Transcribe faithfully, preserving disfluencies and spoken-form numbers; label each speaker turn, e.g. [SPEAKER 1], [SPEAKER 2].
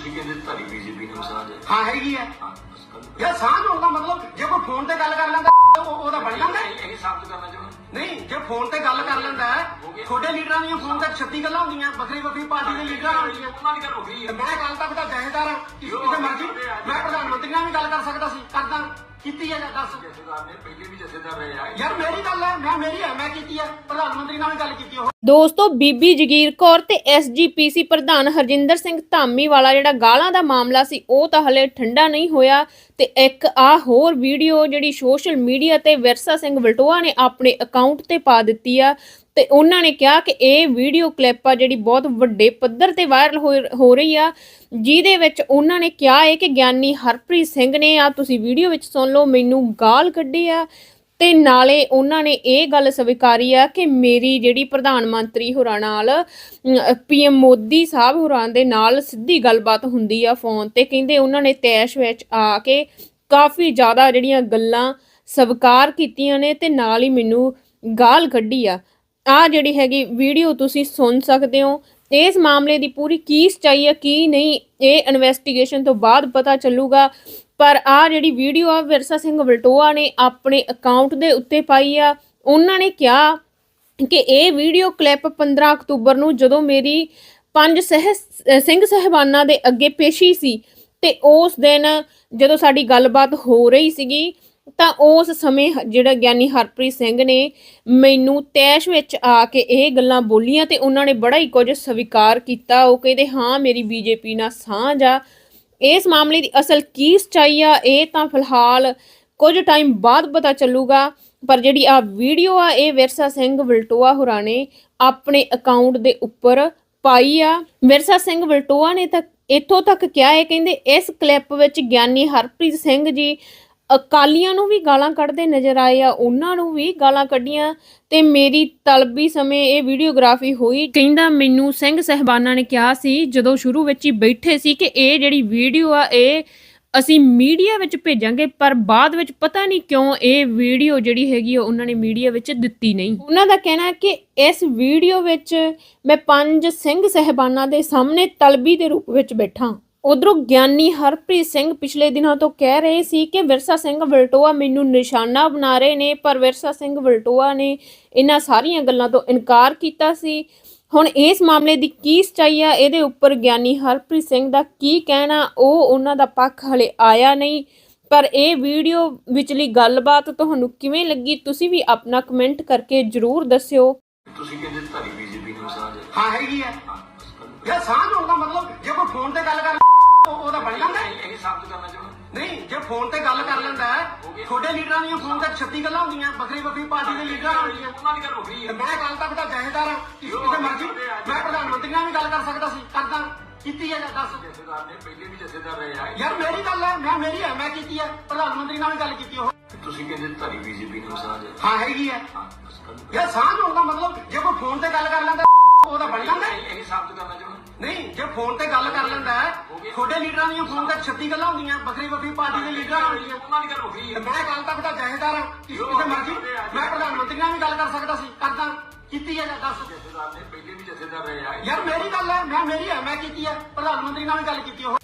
[SPEAKER 1] ਤੁਸੀਂ ਕਹਿੰਦੇ ਤੁਹਾਡੀ ਬੀਜੇਪੀ ਨਾਲ ਸਾਂਝ ਹੈ।
[SPEAKER 2] ਹਾਂ ਹੈਗੀ ਹੈ
[SPEAKER 1] ਹਾਂ ਬਸ ਗੱਲ
[SPEAKER 2] ਯਾਰ ਸਾਂਝ ਹੋਣ ਦਾ ਮਤਲਬ ਜੇ ਕੋਈ ਫੋਨ ਤੇ ਗੱਲ ਕਰ ਲੈਂਦਾ ਉਹ ਉਹਦਾ ਬਣ ਜਾਂਦਾ ਹੈ।
[SPEAKER 1] ਇਹ ਸਾਬਤ ਕਰਨਾ ਚਾਹੁੰਦਾ
[SPEAKER 2] ਨਹੀਂ ਜੇ ਫੋਨ ਤੇ ਗੱਲ ਕਰ ਲੈਂਦਾ ਹੈ ਤੁਹਾਡੇ ਲੀਡਰਾਂ ਦੀਆਂ ਫੋਨ ਤੇ ਛੱਤੀ ਗੱਲਾਂ ਹੁੰਦੀਆਂ ਵੱਖਰੀ ਵੱਖਰੀ ਪਾਰਟੀ ਦੇ ਲੀਡਰਾਂ ਨਾਲ ਹੁੰਦੀਆਂ।
[SPEAKER 1] ਉਹਨਾਂ ਦੀ ਗੱਲ ਹੋ ਗਈ
[SPEAKER 2] ਤੇ ਮੈਂ ਕੱਲ ਤੱਕ ਦਾ ਜਥੇਦਾਰ ਹਾਂ ਕਿਸੇ ਮਰਜ਼ੀ ਮੈਂ ਪ੍ਰਧਾਨ ਮੰਤਰੀ ਨਾਲ ਵੀ ਗੱਲ ਕਰ ਸਕਦਾ ਸੀ ਕਰਦਾ ਕੀਤੀ ਹੈ ਜਾਂ ਦੱਸ
[SPEAKER 1] ਜਥੇਦਾਰ ਨੇ ਪਹਿਲੇ ਵੀ ਜਥੇਦਾਰ ਰਹੇ ਆ।
[SPEAKER 2] ਯਾਰ ਮੇਰੀ ਗੱਲ ਹੈ ਮੈਂ ਮੇਰੀ ਹੈ ਮੈਂ ਕੀਤੀ ਹੈ ਪ੍ਰਧਾਨ ਮੰਤਰੀ ਨਾਲ ਵੀ ਗੱਲ ਕੀਤੀ ਉਹ
[SPEAKER 3] ਦੋਸਤੋ ਬੀਬੀ ਜਗੀਰ ਕੌਰ ਤੇ ਐਸਜੀਪੀਸੀ ਪ੍ਰਧਾਨ ਹਰਜਿੰਦਰ ਸਿੰਘ ਧਾਮੀਵਾਲਾ ਜਿਹੜਾ ਗਾਲਾਂ ਦਾ ਮਾਮਲਾ ਸੀ ਉਹ ਤਾਂ ਹਲੇ ਠੰਡਾ ਨਹੀਂ ਹੋਇਆ ਤੇ ਇੱਕ ਆ ਹੋਰ ਵੀਡੀਓ ਜਿਹੜੀ ਸੋਸ਼ਲ ਮੀਡੀਆ ਤੇ ਵਿਰਸਾ ਸਿੰਘ ਵਲਟੋਆ ਨੇ ਆਪਣੇ ਅਕਾਊਂਟ ਤੇ ਪਾ ਦਿੱਤੀ ਆ ਤੇ ਉਹਨਾਂ ਨੇ ਕਿਹਾ ਕਿ ਇਹ ਵੀਡੀਓ ਕਲਿੱਪ ਆ ਜਿਹੜੀ ਬਹੁਤ ਵੱਡੇ ਪੱਧਰ ਤੇ ਵਾਇਰਲ ਹੋ ਰਹੀ ਆ ਜਿਹਦੇ ਵਿੱਚ ਉਹਨਾਂ ਨੇ ਕਿਹਾ ਹੈ ਕਿ ਗਿਆਨੀ ਹਰਪ੍ਰੀਤ ਸਿੰਘ ਨੇ ਆ ਤੁਸੀਂ ਵੀਡੀਓ ਵਿੱਚ ਸੁਣ ਲਓ ਮੈਨੂੰ ਗਾਲ ਕੱਢੀ ਆ ਤੇ ਨਾਲੇ ਉਹਨਾਂ ਨੇ ਇਹ ਗੱਲ ਸਵੀਕਾਰੀ ਆ ਕਿ ਮੇਰੀ ਜਿਹੜੀ ਪ੍ਰਧਾਨ ਮੰਤਰੀ ਹੋਰਾਂ ਨਾਲ ਪੀਐਮ ਮੋਦੀ ਸਾਹਿਬ ਹੋਰਾਂ ਦੇ ਨਾਲ ਸਿੱਧੀ ਗੱਲਬਾਤ ਹੁੰਦੀ ਆ ਫੋਨ ਤੇ ਕਹਿੰਦੇ ਉਹਨਾਂ ਨੇ ਤੈਸ਼ ਵਿੱਚ ਆ ਕੇ ਕਾਫੀ ਜ਼ਿਆਦਾ ਜਿਹੜੀਆਂ ਗੱਲਾਂ ਸਵੀਕਾਰ ਕੀਤੀਆਂ ਨੇ ਤੇ ਨਾਲ ਹੀ ਮੈਨੂੰ ਗਾਲ ਕੱਢੀ ਆ ਆ ਜਿਹੜੀ ਹੈਗੀ ਵੀਡੀਓ ਤੁਸੀਂ ਸੁਣ ਸਕਦੇ ਹੋ ਇਸ ਮਾਮਲੇ ਦੀ ਪੂਰੀ ਕੀ ਸੱਚਾਈ ਹੈ ਕੀ ਨਹੀਂ ਇਹ ਇਨਵੈਸਟੀਗੇਸ਼ਨ ਤੋਂ ਬਾਅਦ ਪਤਾ ਚੱਲੂਗਾ ਪਰ ਆ ਜਿਹੜੀ ਵੀਡੀਓ ਆ ਵਿਰਸਾ ਸਿੰਘ ਵਲਟੋਆ ਨੇ ਆਪਣੇ ਅਕਾਊਂਟ ਦੇ ਉੱਤੇ ਪਾਈ ਆ ਉਹਨਾਂ ਨੇ ਕਿਹਾ ਕਿ ਇਹ ਵੀਡੀਓ ਕਲਿੱਪ ਪੰਦਰਾਂ ਅਕਤੂਬਰ ਨੂੰ ਜਦੋਂ ਮੇਰੀ ਪੰਜ ਸਹਿ ਸਿੰਘ ਸਹਿਬਾਨਾਂ ਦੇ ਅੱਗੇ ਪੇਸ਼ੀ ਸੀ ਤੇ ਉਸ ਦਿਨ ਜਦੋਂ ਸਾਡੀ ਗੱਲਬਾਤ ਹੋ ਰਹੀ ਸੀਗੀ ਤਾਂ ਉਸ ਸਮੇਂ ਜਿਹੜਾ ਗਿਆਨੀ ਹਰਪ੍ਰੀਤ ਸਿੰਘ ਨੇ ਮੈਨੂੰ ਤੈਸ਼ ਵਿੱਚ ਆ ਕੇ ਇਹ ਗੱਲਾਂ ਬੋਲੀਆਂ ਤੇ ਉਹਨਾਂ ਨੇ ਬੜਾ ਹੀ ਕੁਝ ਸਵੀਕਾਰ ਕੀਤਾ ਉਹ ਕਹਿੰਦੇ ਹਾਂ ਮੇਰੀ ਬੀਜੇਪੀ ਨਾਲ ਸਾਂਝ ਆ ਇਸ ਮਾਮਲੇ ਦੀ ਅਸਲ ਕੀ ਸੱਚਾਈ ਆ ਇਹ ਤਾਂ ਫਿਲਹਾਲ ਕੁਝ ਟਾਈਮ ਬਾਅਦ ਪਤਾ ਚੱਲੂਗਾ ਪਰ ਜਿਹੜੀ ਆ ਵੀਡੀਓ ਆ ਇਹ ਵਿਰਸਾ ਸਿੰਘ ਵਲਟੋਆ ਹੋਰਾਂ ਨੇ ਆਪਣੇ ਅਕਾਊਂਟ ਦੇ ਉੱਪਰ ਪਾਈ ਆ ਵਿਰਸਾ ਸਿੰਘ ਵਲਟੋਆ ਨੇ ਤਾਂ ਇੱਥੋਂ ਤੱਕ ਕਿਹਾ ਹੈ ਕਹਿੰਦੇ ਇਸ ਕਲਿੱਪ ਵਿੱਚ ਗਿਆਨੀ ਹਰਪ੍ਰੀਤ ਸਿੰਘ ਜੀ ਅਕਾਲੀਆਂ ਨੂੰ ਵੀ ਗਾਲਾਂ ਕੱਢਦੇ ਨਜ਼ਰ ਆਏ ਆ ਉਹਨਾਂ ਨੂੰ ਵੀ ਗਾਲਾਂ ਕੱਢੀਆਂ ਤੇ ਮੇਰੀ ਤਲਬੀ ਸਮੇਂ ਇਹ ਵੀਡੀਓਗ੍ਰਾਫੀ ਹੋਈ ਕਹਿੰਦਾ ਮੈਨੂੰ ਸਿੰਘ ਸਹਿਬਾਨਾਂ ਨੇ ਕਿਹਾ ਸੀ ਜਦੋਂ ਸ਼ੁਰੂ ਵਿੱਚ ਹੀ ਬੈਠੇ ਸੀ ਕਿ ਇਹ ਜਿਹੜੀ ਵੀਡੀਓ ਆ ਇਹ ਅਸੀਂ ਮੀਡੀਆ ਵਿੱਚ ਭੇਜਾਂਗੇ ਪਰ ਬਾਅਦ ਵਿੱਚ ਪਤਾ ਨਹੀਂ ਕਿਉਂ ਇਹ ਵੀਡੀਓ ਜਿਹੜੀ ਹੈਗੀ ਉਹਨਾਂ ਨੇ ਮੀਡੀਆ ਵਿੱਚ ਦਿੱਤੀ ਨਹੀਂ ਉਹਨਾਂ ਦਾ ਕਹਿਣਾ ਹੈ ਕਿ ਇਸ ਵੀਡੀਓ ਵਿੱਚ ਮੈਂ ਪੰਜ ਸਿੰਘ ਸਹਿਬਾਨਾਂ ਦੇ ਸਾਹਮਣੇ ਤਲਬੀ ਦੇ ਰੂਪ ਵਿੱਚ ਬੈਠਾ ਉਧਰੋਂ ਗਿਆਨੀ ਹਰਪ੍ਰੀਤ ਸਿੰਘ ਪਿਛਲੇ ਦਿਨਾਂ ਤੋਂ ਕਹਿ ਰਹੇ ਸੀ ਕਿ ਵਿਰਸਾ ਸਿੰਘ ਵਲਟੋਆ ਮੈਨੂੰ ਨਿਸ਼ਾਨਾ ਬਣਾ ਰਹੇ ਨੇ ਪਰ ਵਿਰਸਾ ਸਿੰਘ ਵਲਟੋਆ ਨੇ ਇਹਨਾਂ ਸਾਰੀਆਂ ਗੱਲਾਂ ਤੋਂ ਇਨਕਾਰ ਕੀਤਾ ਸੀ ਹੁਣ ਇਸ ਮਾਮਲੇ ਦੀ ਕੀ ਸੱਚਾਈ ਆ ਇਹਦੇ ਉੱਪਰ ਗਿਆਨੀ ਹਰਪ੍ਰੀਤ ਸਿੰਘ ਦਾ ਕੀ ਕਹਿਣਾ ਉਹ ਉਹਨਾਂ ਦਾ ਪੱਖ ਹਲੇ ਆਇਆ ਨਹੀਂ ਪਰ ਇਹ ਵੀਡੀਓ ਵਿਚਲੀ ਗੱਲਬਾਤ ਤੁਹਾਨੂੰ ਕਿਵੇਂ ਲੱਗੀ ਤੁਸੀਂ ਵੀ ਆਪਣਾ ਕਮੈਂਟ ਕਰਕੇ ਜ਼ਰੂਰ ਦੱਸਿਓ
[SPEAKER 1] ਤੁਸੀਂ ਕਹਿੰਦੇ ਤੁਹਾਡੀ ਬੀਜੇਪੀ ਨਾਲ ਸਾਂਝ ਹੈ।
[SPEAKER 2] ਹਾਂ ਹੈਗੀ ਹੈ
[SPEAKER 1] ਹਾਂ ਬਸ ਗੱਲ
[SPEAKER 2] ਯਾਰ ਸਾਂਝ ਹੋਣ ਦਾ ਮਤਲਬ ਜੇ ਕੋਈ ਫੋਨ ਤੇ ਗੱਲ ਕਰ ਉਹ ਉਹਦਾ ਬਣ ਜਾਂਦਾ ਹੈ।
[SPEAKER 1] ਇਹ ਸਾਬਤ ਕਰਨਾ ਚਾਹੁੰਦਾ
[SPEAKER 2] ਨਹੀਂ ਜੇ ਫੋਨ ਤੇ ਗੱਲ ਕਰ ਲੈਂਦਾ ਹੈ ਤੁਹਾਡੇ ਲੀਡਰਾਂ ਦੀਆਂ ਫੋਨ ਤੇ ਛੱਤੀ ਗੱਲਾਂ ਹੁੰਦੀਆਂ ਵੱਖਰੀ ਵੱਖਰੀ ਪਾਰਟੀ ਦੇ ਲੀਡਰਾਂ ਨਾਲ ਹੁੰਦੀਆਂ।
[SPEAKER 1] ਉਹਨਾਂ ਦੀ ਗੱਲ ਹੋ ਗਈ
[SPEAKER 2] ਤੇ ਮੈਂ ਕੱਲ ਤੱਕ ਦਾ ਜਥੇਦਾਰ ਹਾਂ ਕਿਸੇ ਮਰਜ਼ੀ ਮੈਂ ਪ੍ਰਧਾਨ ਮੰਤਰੀ ਨਾਲ ਵੀ ਗੱਲ ਕਰ ਸਕਦਾ ਸੀ ਕਰਦਾ ਕੀਤੀ ਹੈ ਜਾਂ ਦੱਸ
[SPEAKER 1] ਜਥੇਦਾਰ ਨੇ ਪਹਿਲੇ ਵੀ ਜਥੇਦਾਰ ਰਹੇ ਆ।
[SPEAKER 2] ਯਾਰ ਮੇਰੀ ਗੱਲ ਹੈ ਮੈਂ ਮੇਰੀ ਹੈ ਮੈਂ ਕੀਤੀ ਹੈ ਪ੍ਰਧਾਨ ਮੰਤਰੀ ਨਾਲ ਵੀ ਗੱਲ ਕੀਤੀ ਉਹ
[SPEAKER 1] ਤੁਸੀਂ ਕਹਿੰਦੇ ਤੁਹਾਡੀ ਬੀਜੇਪੀ ਨਾਲ ਸਾਂਝ ਹੈ।
[SPEAKER 2] ਹਾਂ ਹੈਗੀ ਹੈ
[SPEAKER 1] ਹਾਂ ਬਸ ਗੱਲ
[SPEAKER 2] ਯਾਰ ਸਾਂਝ ਹੋਣ ਦਾ ਮਤਲਬ ਜੇ ਕੋਈ ਫੋਨ ਤੇ ਗੱਲ ਕਰ ਲੈਂਦਾ ਉਹਦਾ ਬਣ ਜਾਂਦਾ ਹੈ।
[SPEAKER 1] ਇਹ ਸਾਬਤ ਕਰਨਾ ਚਾਹੁੰਦਾ
[SPEAKER 2] ਨਹੀਂ ਜੇ ਫੋਨ ਤੇ ਗੱਲ ਕਰ ਲੈਂਦਾ ਹੈ ਤੁਹਾਡੇ ਲੀਡਰਾਂ ਦੀਆਂ ਫੋਨ ਤੇ ਛੱਤੀ ਗੱਲਾਂ ਹੁੰਦੀਆਂ ਵੱਖਰੀ ਵੱਖਰੀ ਪਾਰਟੀ ਦੇ ਲੀਡਰਾਂ ਨਾਲ ਹੁੰਦੀਆਂ।
[SPEAKER 1] ਉਹਨਾਂ ਦੀ ਗੱਲ ਹੋ ਗਈ
[SPEAKER 2] ਤੇ ਮੈਂ ਕੱਲ ਤੱਕ ਦਾ ਜਥੇਦਾਰ ਹਾਂ ਕਿਸੇ ਮਰਜ਼ੀ ਮੈਂ ਪ੍ਰਧਾਨ ਮੰਤਰੀ ਨਾਲ ਵੀ ਗੱਲ ਕਰ ਸਕਦਾ ਸੀ ਕਰਦਾ ਕੀਤੀ ਹੈ ਜਾਂ ਦੱਸ
[SPEAKER 1] ਜਥੇਦਾਰ ਨੇ ਪਹਿਲੇ ਵੀ ਜਥੇਦਾਰ ਰਹੇ ਆ।
[SPEAKER 2] ਯਾਰ ਮੇਰੀ ਗੱਲ ਹੈ ਮੈਂ ਮੇਰੀ ਹੈ ਮੈਂ ਕੀਤੀ ਹੈ ਪ੍ਰਧਾਨ ਮੰਤਰੀ ਨਾਲ ਵੀ ਗੱਲ ਕੀਤੀ ਉਹ